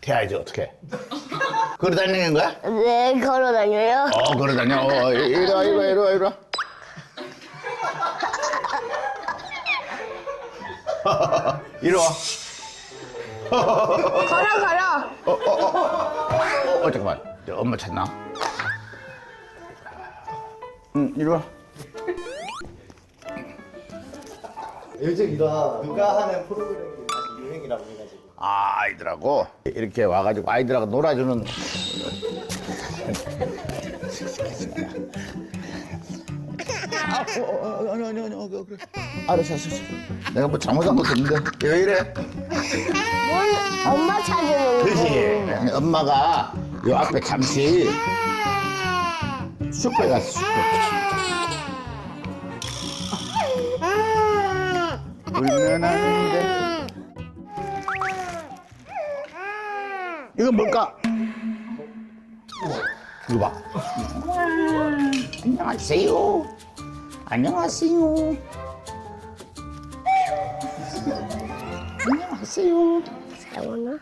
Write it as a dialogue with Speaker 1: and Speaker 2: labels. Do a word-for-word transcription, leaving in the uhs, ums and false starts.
Speaker 1: 태야지 어떻게? 걸어 다니는 거야?
Speaker 2: 네, 걸어 다녀요.
Speaker 1: 어 걸어 다녀. 어, 이- 이리 와 이리 와 이리 와 이리 와. 이리 와.
Speaker 2: 걸어, 걸어.
Speaker 1: 어 잠깐만. 저 엄마 찾나? 응 이리 와.
Speaker 3: 요즘 이런 누가 하는 프로그램이 다시 유행이라고 해가지고
Speaker 1: 아, 아이들하고 이렇게 와가지고 아이들하고 놀아주는. 아, 어, 어, 어, 아니 아니 아니 어, 그래. 알았어 알았어. 내가 뭐 잘못한 것도 없는데 왜 이래?
Speaker 2: 뭘 엄마 찾으는 거.
Speaker 1: 그렇지. 엄마가 요 앞에 잠시 슈퍼에 갔어 슈퍼. 울면 하는데. 이건 뭘까? 이거 봐. 안녕하세요. 안녕하세요. 안녕하세요.
Speaker 2: 사용하나?